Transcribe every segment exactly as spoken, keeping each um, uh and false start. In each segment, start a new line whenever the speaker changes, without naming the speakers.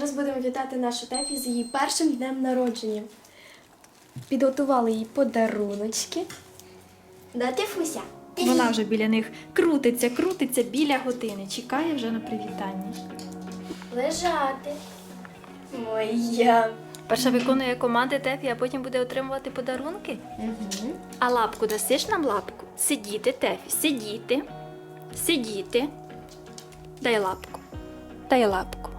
зараз будемо вітати нашу Тефі з її першим днем народження. Підготували їй подаруночки. Да, Тефуся?
Вона вже біля них крутиться, крутиться біля години. Чекає вже на привітання.
Лежати. Моя.
Перша виконує команди Тефі, а потім буде отримувати подарунки.
Угу.
А лапку дасиш нам лапку? Сидіти, Тефі, сидіти. Сидіти. Дай лапку. Дай лапку.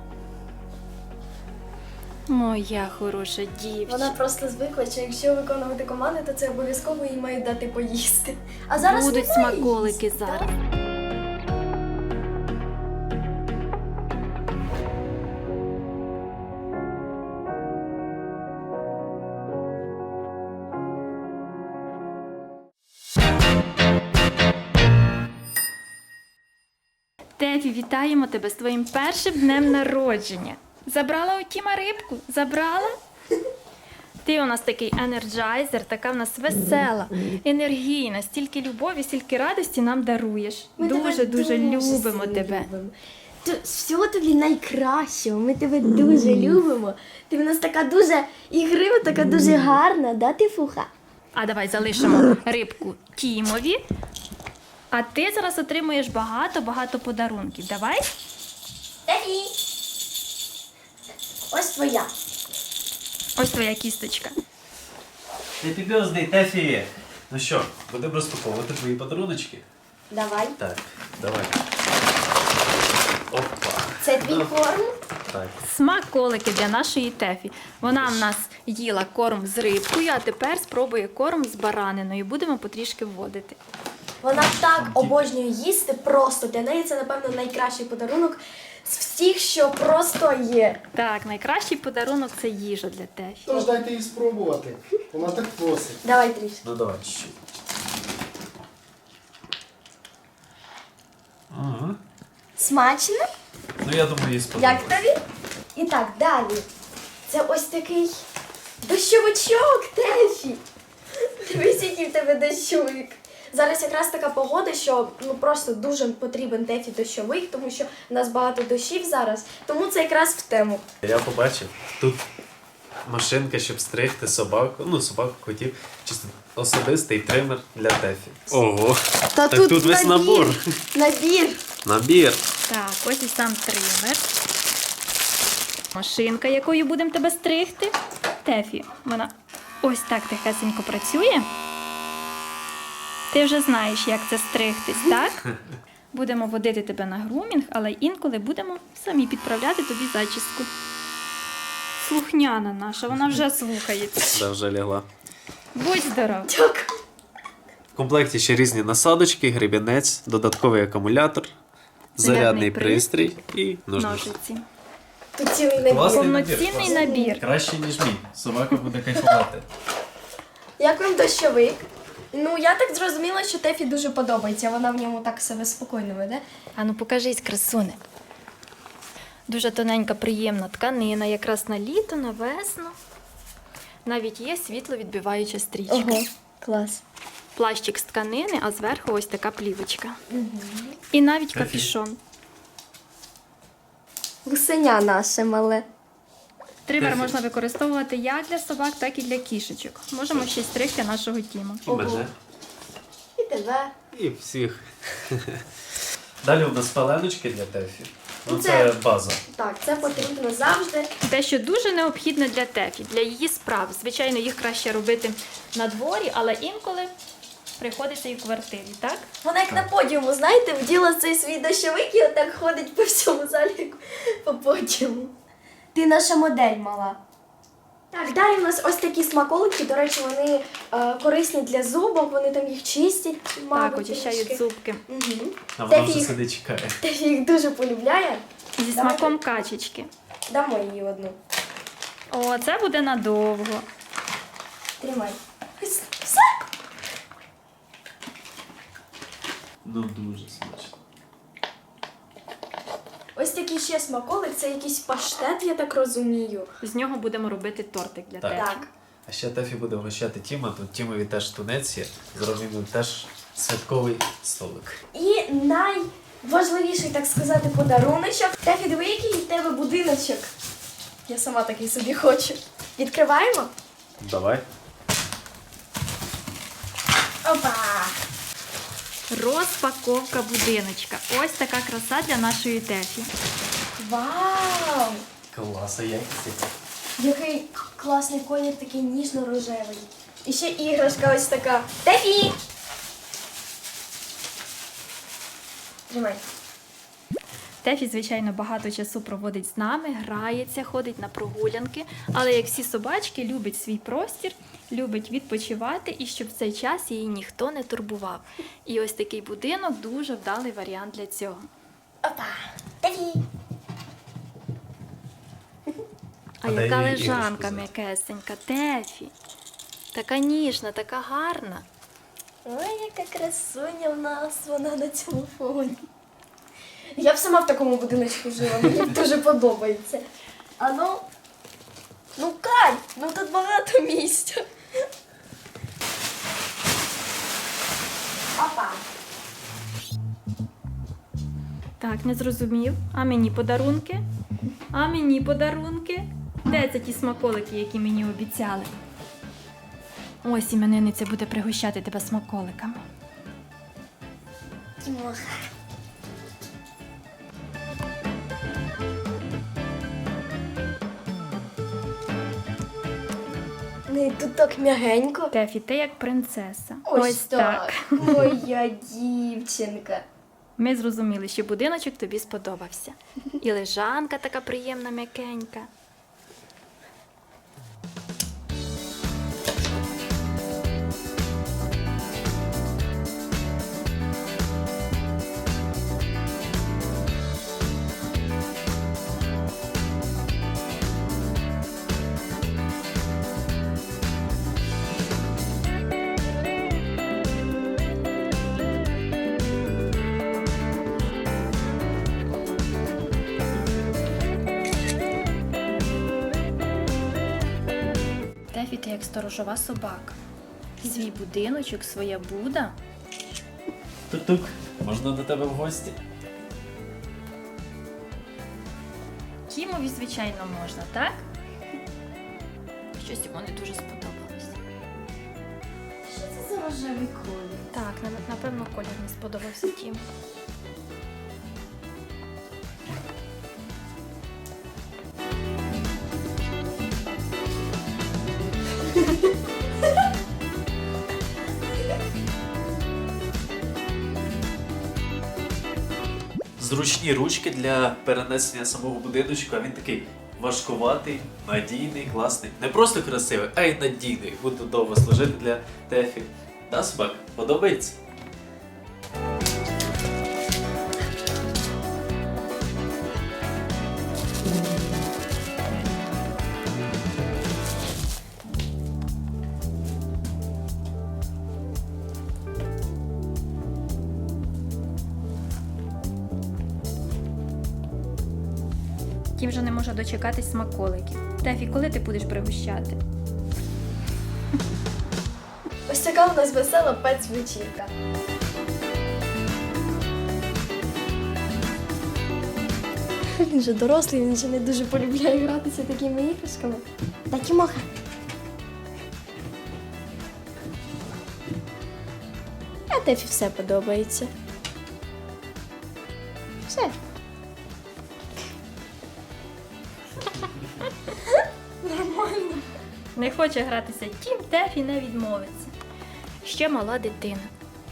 Моя хороша дівчинка.
Вона просто звикла, що якщо виконувати команди, то це обов'язково їй мають дати поїсти. А зараз
Будуть
немає
смаколики
їсти,
зараз.
так?
Тефі, вітаємо тебе з твоїм першим днем народження. Забрала у Тіма рибку? Забрала? Ти у нас такий енерджайзер, така в нас весела, енергійна, стільки любові, стільки радості нам даруєш.
Ми тебе
Дуже-дуже любимо
сильно
тебе.
любимо. Ти- Всього тобі найкращого, ми тебе дуже любимо. Ти в нас така дуже ігрива, така дуже гарна, да, Тефуха?
А давай залишимо рибку Тімові. А ти зараз отримуєш багато-багато подарунків. Давай?
Тефі! Ось твоя.
Ось твоя кісточка.
Happy birthday, Тефі! Ну що, будемо розпаковувати твої подаруночки?
Давай.
Так, давай. Опа.
Це твій корм?
Так.
Смаколики для нашої Тефі. Вона в нас їла корм з рибкою, а тепер спробує корм з бараниною. Будемо потрішки вводити.
Вона так обожнює їсти, просто для неї це, напевно, найкращий подарунок з всіх, що просто є.
Так, найкращий подарунок це їжа для Тефі.
Тож дайте їй спробувати. Вона так просить.
Давай трішки.
Ну давай чуть-чуть. Ага.
Смачно?
Ну я думаю, їй
Як
сподобається.
тобі? І так, далі. Це ось такий дощовичок, Тефі. Дивись, який в тебе дощовик. Зараз якраз така погода, що ну просто дуже потрібен Тефі дощовик, тому що в нас багато дощів зараз, тому це якраз в тему.
Я побачив, тут машинка, щоб стригти собаку, ну собаку, котів, чисто особистий тример для Тефі. Ого!
Та
Так тут весь набор.
Набір.
Набір.
Так, ось і сам тример. Машинка, якою будемо тебе стригти. Тефі, вона ось так тихесенько працює. Ти вже знаєш, як це стригтись, так? Будемо водити тебе на грумінг, але інколи будемо самі підправляти тобі зачіску. Слухняна наша, вона вже слухається.
Да, вже лягла.
Будь здоров.
Дякую.
В комплекті ще різні насадочки, гребінець, додатковий акумулятор, зарядний
Зарядний
пристрій і ножниці.
Ножиці.
Тут цілий набір.
Класний
Повноцінний
класний.
набір.
Краще, ніж мій. Собака буде кайфувати.
Як вам дощовик? Ну, я так зрозуміла, що Тефі дуже подобається. Вона в ньому так себе спокійно веде.
А ну покажись, красуне. Дуже тоненька, приємна тканина, якраз на літо, на весну. Навіть є світловідбиваюча стрічка.
Ого, клас.
Плащик з тканини, а зверху ось така плівочка. І навіть
Тефі.
капюшон.
Гусеня наше мале.
Тример
Тефі.
можна використовувати як для собак, так і для кішечок. Можемо ще й стригти нашого Тіма.
І мене.
І тебе.
І всіх. Далі у нас паленочки для Тефі. Ну,
Ну,
це
це-
база.
Так, це потрібно завжди.
Те, що дуже необхідне для Тефі, для її справ. Звичайно, їх краще робити на дворі, але інколи приходиться і в квартирі, так?
Вона як на подіуму, знаєте, вділа цей свій дощовик і отак ходить по всьому залі, як по подіуму. Ти наша модель мала. Так, далі в нас ось такі смаколики. До речі, вони е, корисні для зубок, вони там їх чистять, мабуть,
Так, очищають
трішки.
зубки.
Угу.
А вона
Тефі
вже
їх,
сидить чекає.
Тефі їх дуже полюбляє.
Зі
Давайте.
смаком качечки.
Дамо їй одну.
О, це буде надовго.
Тримай. Ось, все.
Ну дуже смачно.
Ось такий ще смаколик, це якийсь паштет, я так розумію.
З нього будемо робити тортик для
Так.
Тефі.
Так.
А ще Тефі буде вгощати Тіма, тут Тімові теж тунець є. Зробимо теж святковий столик.
І найважливіший, так сказати, подаруночок. Тефі, диви, який в тебе будиночок. Я сама такий собі хочу. Відкриваємо?
Давай.
Опа!
Розпаковка будиночка. Ось така краса для нашої Тефі.
Вау!
Клас, а якість.
Який класний колір, такий ніжно-рожевий. І ще іграшка ось така. Тефі! Тримай.
Тефі, звичайно, багато часу проводить з нами, грається, ходить на прогулянки, але як всі собачки, любить свій простір, любить відпочивати і щоб в цей час її ніхто не турбував. І ось такий будинок дуже вдалий варіант для цього.
Опа! Тефі!
А
А де
яка
її
лежанка
іграшку
м'якесенька, Тефі. Така ніжна, така гарна.
Ой, яка красуня в нас вона на цьому фоні. Я б сама в такому будиночку жила, мені дуже подобається. А ну, ну Кать, ну тут багато місця. Опа.
Так, не зрозумів. А мені подарунки? А мені подарунки? Де це ті смаколики, які мені обіцяли? Ось іменинниця буде пригощати тебе смаколиками.
Тімоха. Ну, тут так м'ягенько.
Тефі, ти як принцеса.
Моя дівчинка.
Ми зрозуміли, що будиночок тобі сподобався. І лежанка така приємна, м'якенька. Тефі, ти як сторожова собака. Свій будиночок, своя буда.
Тук-тук, можна до тебе в гості?
Кімові, звичайно, можна, так? Щось йому не дуже сподобалося.
Що це за рожевий колір?
Так, на- напевно, колір не сподобався Тіму.
Зручні ручки для перенесення самого будиночку, а він такий важкуватий, надійний, класний. Не просто красивий, а й надійний. Буде довго служити для Тефі. Да, собак? Подобається?
Тім вже не може дочекатись смаколиків. Тефі, коли ти будеш пригощати?
Ось така у нас весела пец-вечірка. Він же дорослий, він же не дуже полюбляє гратися такими іграшками. Та Тімоха. А Тефі все подобається. Все.
Не хоче гратися Тім, Тефі не відмовиться. Ще мала дитина.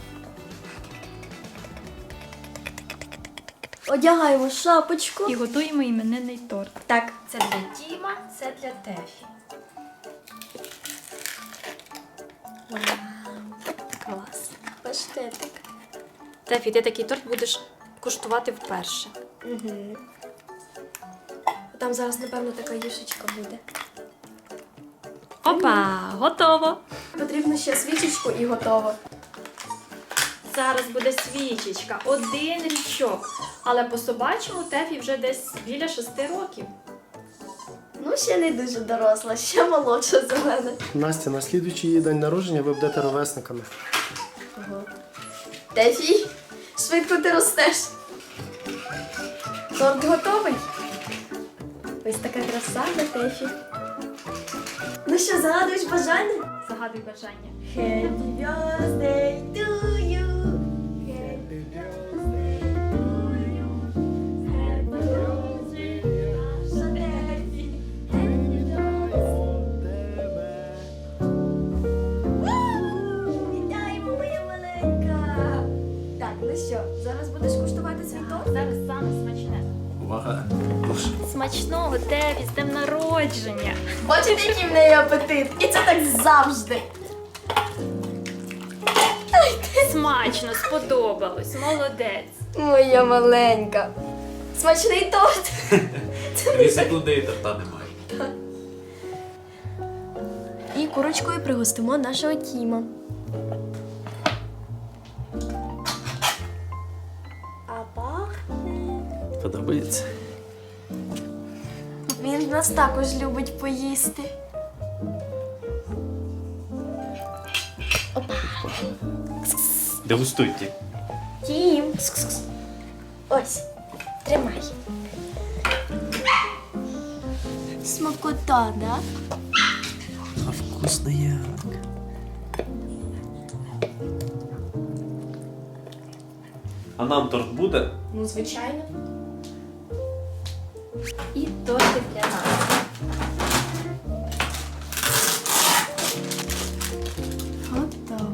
Одягаємо шапочку.
І готуємо іменинний торт.
Так.
Це для Тіма, це для Тефі.
Клас. Паштетик.
Тефі, ти такий торт будеш куштувати вперше.
Угу. Там зараз, напевно, така юшечка буде.
Опа, готово.
Потрібно ще свічечку і готово.
Зараз буде свічечка, один річок. Але по собачому Тефі вже десь біля шести років.
Ну, ще не дуже доросла, ще молодша за мене.
Настя, на слідуючий її день народження ви будете ровесниками.
Ого. Тефі, швидко ти ростеш. Торт готовий? Ось така краса на Тефі. Ну що, загадуєш бажання?
Загадуй бажання.
Happy birthday to you. Happy birthday to you. Happy birthday, наша Тефі. Happy birthday. Вау! Вітаємо, моя маленька. Так, ну що, зараз будеш куштувати свій торт?
Зараз саме смачне.
Увага!
Смачного, Тефі, з днем народження.
Бачите, який в неї апетит? І це так завжди.
Смачно, сподобалось, молодець.
Моя маленька. Смачний торт.
Дві секунди і торта немає.
І курочкою пригостимо нашого Тіма. А пахне.
Подобається?
Він нас також любить поїсти.
Дегустуйте.
Тім. Кс-кс-кс. Ось, тримай. Смакота, да?
А вкусно як. А нам торт буде?
Ну, звичайно.
І тортик для нас.
Готово.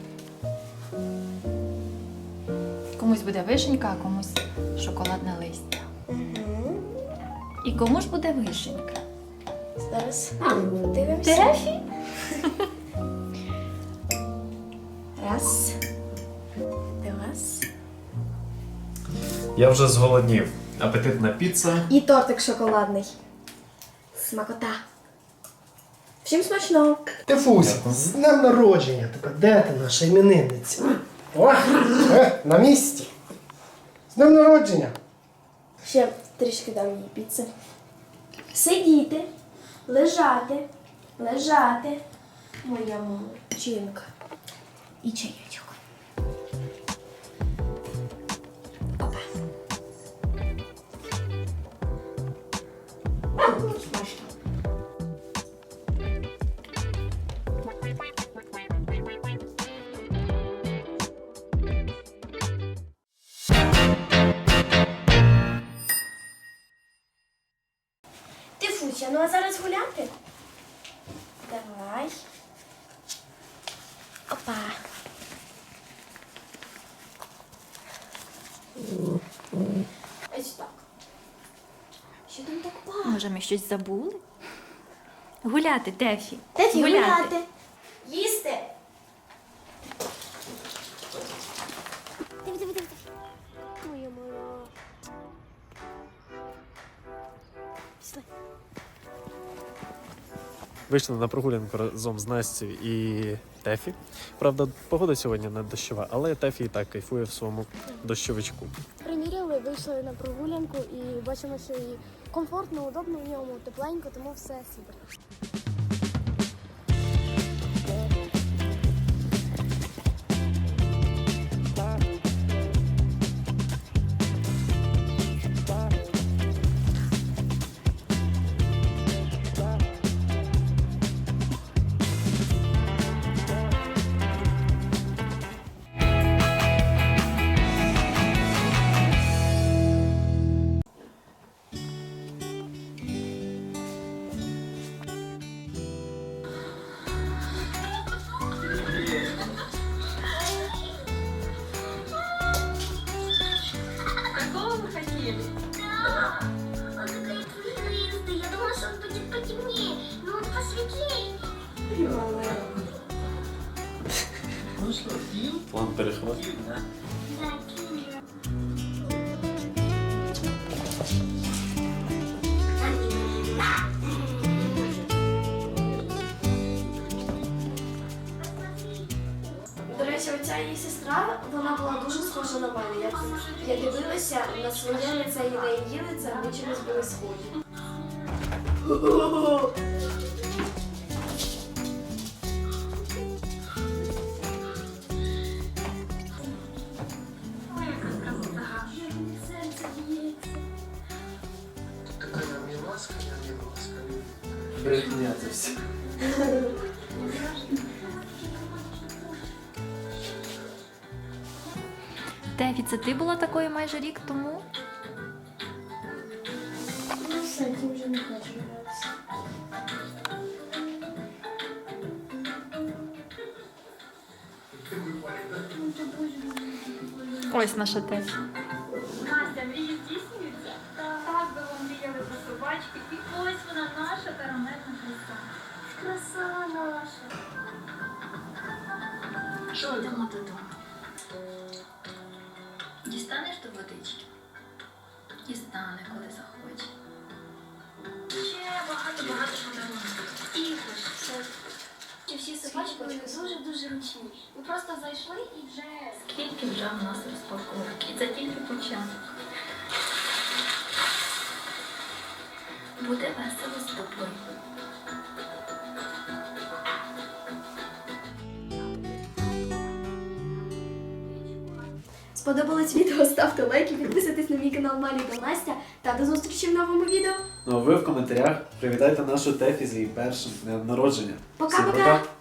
Комусь буде вишенька, а комусь шоколадне листя.
Угу.
І кому ж буде вишенька?
Зараз подивимося.
Тефі?
Раз. Два.
Я вже зголоднів. Апетитна піца.
І тортик шоколадний. Смакота. Всім смачного.
Тефуся, з днем народження тебе. Де ти наша іменинниця? О, е, на місці. З днем народження.
Ще трішки дам їй піци. Сидіти, лежати, лежати. Моя молодчинка. І чайочок. Опа. Смачно. Тифуся, ну а зараз гуляти? Давай. Опа. Ось так. Що там так пахне?
Може, ми щось забули? Гуляти, Тефі.
Тефі, гуляти. Їсти. Диви, диви, диви. Моя мала. Пішли.
Вийшли на прогулянку разом з Настю і Тефі. Правда, погода сьогодні не дощова, але Тефі і так кайфує в своєму дощовичку.
Приміряли, вийшли на прогулянку і бачимо, що і комфортно, удобно в ньому, тепленько, тому все супер.
Я думала, что он будет потемнее, но он посветлее.
План перехват.
До речі, оця її сестра, вона була дуже схожа на мене. Я, я дивилася на своє лице і на її лице, ми чимось були схожі.
Какая мне маска?
Брехня це все.
Тефі, це ти була такою майже рік тому?
Ну все, ти вже не хочеш гратися.
Ось наша Тефі.
Настя, мрії здійснюються? Так, би вам мріяли про собачки. І ось вона наша карамельна краса.
Краса наша.
Що, йдемо додому? Дістанеш до водички? Дістане, коли захоче. Ще багато-багато подарунків. Ігор,
Ці всі собачки дуже-дуже ручні. Ми просто зайшли і вже...
скільки вже в нас розпаковок. І це тільки початок. Буде весело з тобою.
Сподобалось відео, ставте лайки, підписуйтесь на мій канал Малі та Настя та до зустрічі в новому відео.
Ну а ви в коментарях привітайте нашу Тефі з її першим днем народження. Всім
Пока-пока!
пока!